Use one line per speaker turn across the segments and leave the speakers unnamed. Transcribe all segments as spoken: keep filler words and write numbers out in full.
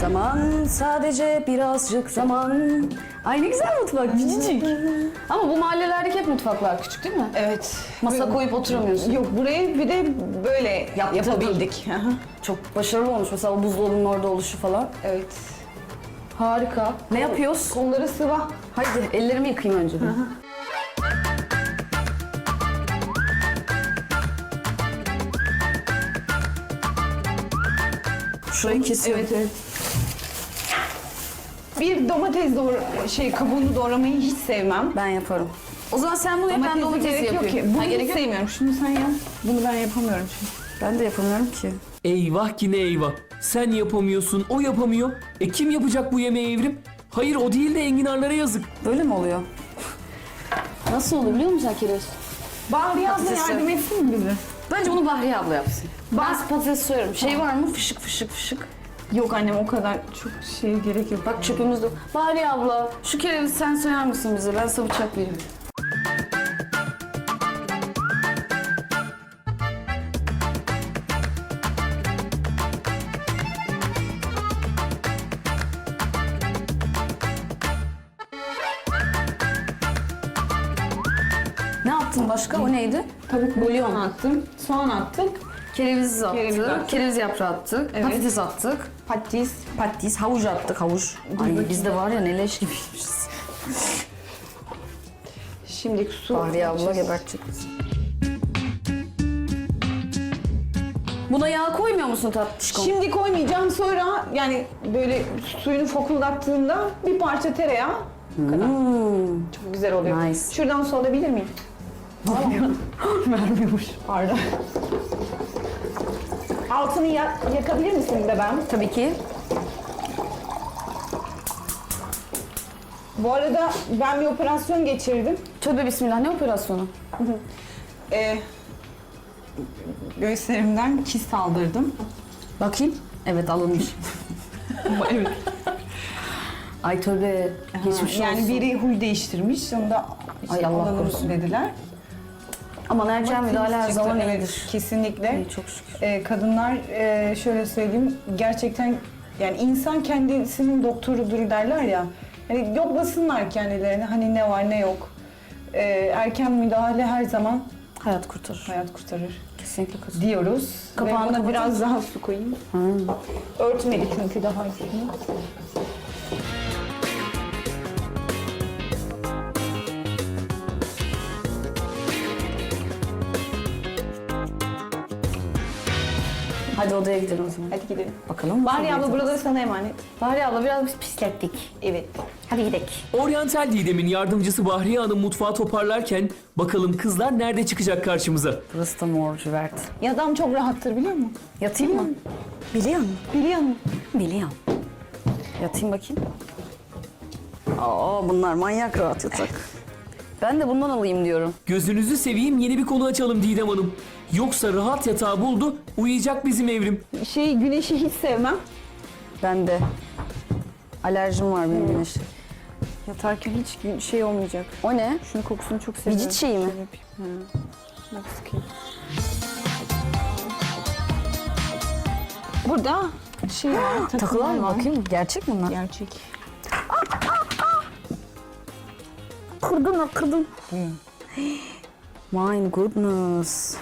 Zaman, sadece birazcık zaman. Ay ne güzel mutfak, küçücük. Ama bu mahallelerdeki hep mutfaklar küçük değil mi?
Evet.
Masa koyup oturamıyorsun.
Yok, burayı bir de böyle
Yaptırdın.
yapabildik. Aha.
Çok başarılı olmuş mesela o buzdolabının orada oluşu falan.
Evet.
Harika. Ne yapıyoruz?
Kolları sıva.
Haydi ellerimi yıkayayım önce bir. Şurayı kesiyorum.
Evet, evet. Bir domates doğra şey kabuğunu doğramayı hiç sevmem.
Ben yaparım. O zaman sen bunu yap, ben
Domatesi
domatesi
gerek yok
yapıyorum.
ki. Bunu
Ha,
hiç
gerek yok.
sevmiyorum. Şunu sen yap. Bunu ben yapamıyorum çünkü.
Ben de yapamıyorum ki.
Eyvah ki ne eyvah. Sen yapamıyorsun, o yapamıyor. E kim yapacak bu yemeği Evrim? Hayır o değil de enginarlara yazık.
Böyle mi oluyor? Nasıl olur biliyor musun Akiles?
Bahriye abla
Patatesi.
yardım etsin mi bize?
Bence bunu Bahriye abla yapsın. Ben
Bah-
patates soyarım. Şey var mı? Fışık fışık fışık.
Yok annem, o kadar çok şey gerek yok.
Bak çöpümüz de. Bahriye abla şu kerevizi sen soyar mısın bize? Ben sana bıçak vereyim. Ne yaptın başka? O neydi?
Tavuk bulyon attım. Soğan attık.
Kereviz attık.
Kereviz attık.
Kereviz yaprağı attık.
Evet.
Patates attık.
Patates.
Patates, havuç attık, havuç. Ay biz de var ya ne leş gibiymişiz.
Şimdi su.
Bahriye abla
atacağız.
gebertecek bizi. Buna yağ koymuyor musun tatlışkom?
Şimdi koymayacağım, sonra yani böyle suyunu fokurdattığında bir parça tereyağı. Bu kadar. Çok güzel oluyor.
Nice.
Şuradan su alabilir miyim? Vermiyormuş. Pardon. Altını ya- yakabilir misin bir de ben?
Tabii ki.
Bu arada ben bir operasyon geçirdim.
Tövbe bismillah, ne operasyonu?
Ee, göğüslerimden kist aldırdım.
Bakayım. Evet alınmış.
Evet.
Ay tövbe. Geçmiş
Yani
olsun.
biri huy değiştirmiş, onu da işte
Ay Allah
alalım
korusun.
dediler.
Aman erken müdahale her
Çıktı,
zaman
evet,
iyidir.
kesinlikle.
İyi, çok şükür.
Ee, kadınlar e, şöyle söyleyeyim, gerçekten yani insan kendisinin doktorudur derler ya. Hani yoklasınlar kendilerini, hani ne var ne yok. Ee, erken müdahale her zaman
Hayat kurtarır.
hayat kurtarır
Kesinlikle kurtarır.
diyoruz.
Kapağını
Ve buna
kapatın.
biraz daha su koyayım. Örtmeli çünkü daha üstünü.
Hadi odaya gidelim o zaman.
Hadi gidelim.
Bakalım.
Bahriye abla buraları sana emanet.
Bahriye abla biraz biz pislettik.
Evet.
Hadi gidelim.
Oryantal Didem'in yardımcısı Bahriye Hanım mutfağı toparlarken bakalım kızlar nerede çıkacak karşımıza?
Burası da mor cüvert.
Ya adam çok rahattır biliyor musun?
Yatayım mı? Biliyor musun?
Biliyor musun?
Biliyorum. Yatayım bakayım. Aa bunlar manyak rahat yatak. Ben de bundan alayım diyorum.
Gözünüzü seveyim yeni bir konu açalım Didem Hanım. Yoksa rahat yatağı buldu, uyuyacak bizim Evrim.
Şey, güneşi hiç sevmem.
Ben de. Alerjim var benim güneşe.
Yatarken hiç gün- şey olmayacak.
O ne?
Şunun kokusunu çok seviyorum.
Vücut şeyi mi?
Şöyle yapayım. Ha. Bak sıkayım. Burada şey var,
Takılar mı
var.
bakayım? Gerçek mi bunlar?
Gerçek.
Kırdın mı? Kırdın. My goodness.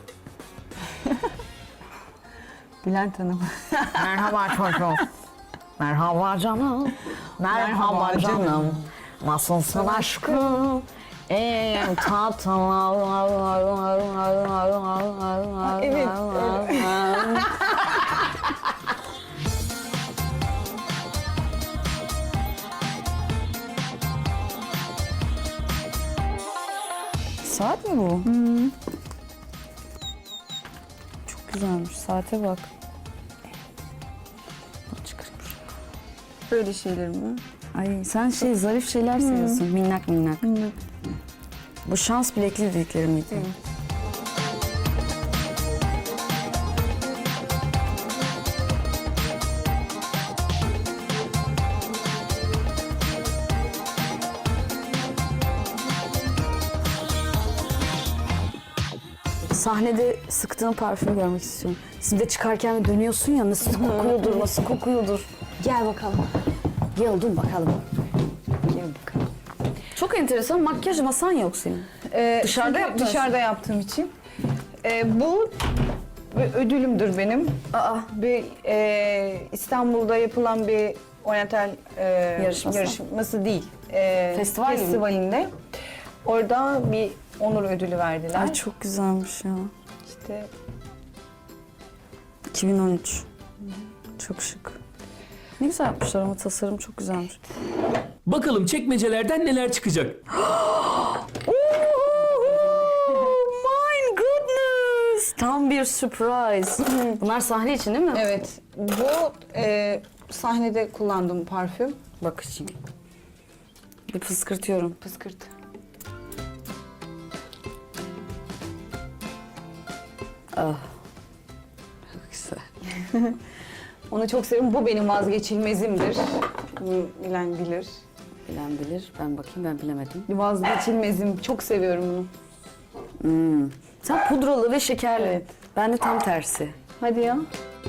Bülent Hanım.
Merhaba çocuğum. Merhaba canım. Merhaba
Merhaba canım.
canım. Nasılsın aşkım? En tatlı.
Evet,
Saat mi bu? Çok güzelmiş. Saate bak. Bak çıkarayım şunu.
Böyle şeyler mi?
Ay sen şey zarif şeyler seviyorsun. Minnak minnak.
Minnak.
Bu şans bilekli dedikleri miydi? Sahnede sıktığın parfümü görmek istiyorum. Siz de çıkarken dönüyorsun ya nasıl kokuyordur, nasıl kokuyordur. Gel bakalım. Gel dur bakalım.
Gel bakalım.
Çok enteresan, makyaj masan yok senin.
Ee,
Dışarıda
çünkü
yaptın.
Dışarıda yaptığım için. Ee, bu bir ödülümdür benim.
Aa,
Bir e, İstanbul'da yapılan bir oryantal e,
Yarışması.
yarışması değil. E,
Festival gibi mi?
festivalinde. Orada bir onur ödülü verdiler.
ay çok güzelmiş ya.
İşte
iki bin on üç. Çok şık. Ne güzel yapmışlar ama tasarım çok güzelmiş.
Bakalım çekmecelerden neler çıkacak?
Oh my goodness! Tam bir surprise. Bunlar sahne için değil mi?
evet, bu e, sahnede kullandığım parfüm.
Bakayım. Bir fıskırtıyorum.
Pıskırt.
Ah. Çok güzel.
Onu çok seviyorum. Bu benim vazgeçilmezimdir. Bunu bilen bilir.
Bilen bilir. Ben bakayım, ben bilemedim.
Vazgeçilmezim. Çok seviyorum bunu.
Hmm. Sen pudralı ve şekerli.
Evet.
Ben de tam tersi.
Hadi ya.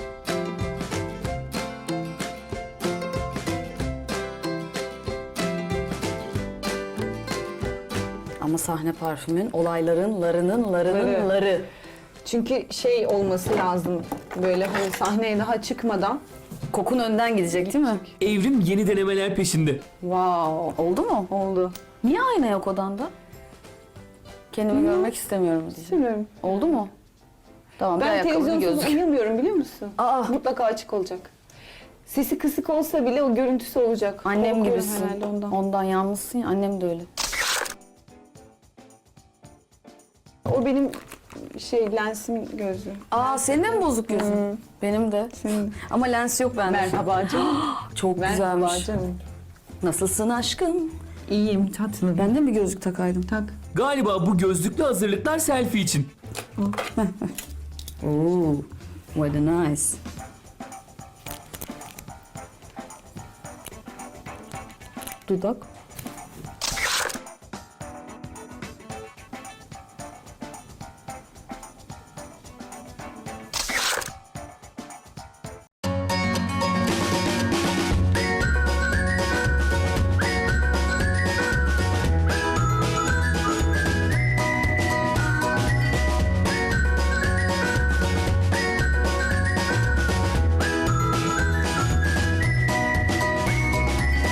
Ama sahne parfümün olayların, larının, larının,
Ları.
ları.
Çünkü şey olması lazım. Böyle hani sahneye daha çıkmadan.
Kokun önden gidecek değil mi?
Evrim yeni denemeler peşinde.
Wow.
Oldu mu?
Oldu.
Niye ayna yok odanda? Kendimi görmek istemiyorum diye.
Bilmiyorum.
Oldu mu? Tamam, bir
Ben
ayakkabı, bir
televizyonsuz
gözlük.
uyumuyorum biliyor musun?
Aa,
Mutlaka açık olacak. Sesi kısık olsa bile o görüntüsü olacak.
annem
Korkuyorum
gibisin.
herhalde ondan.
Ondan yalnızsın ya, annem de öyle.
O benim şey lensimin gözü.
Aa, senin de mi bozuk gözün?
Hı.
Benim de.
Senin.
Ama lens yok bende.
Merhaba canım.
Çok
Merhaba
güzelmiş.
canım.
Nasılsın aşkım?
İyiyim tatlım.
Ben de mi gözlük takaydım?
Tak.
Galiba bu gözlüklü hazırlıklar selfie için.
Oo, what a nice. Dudak.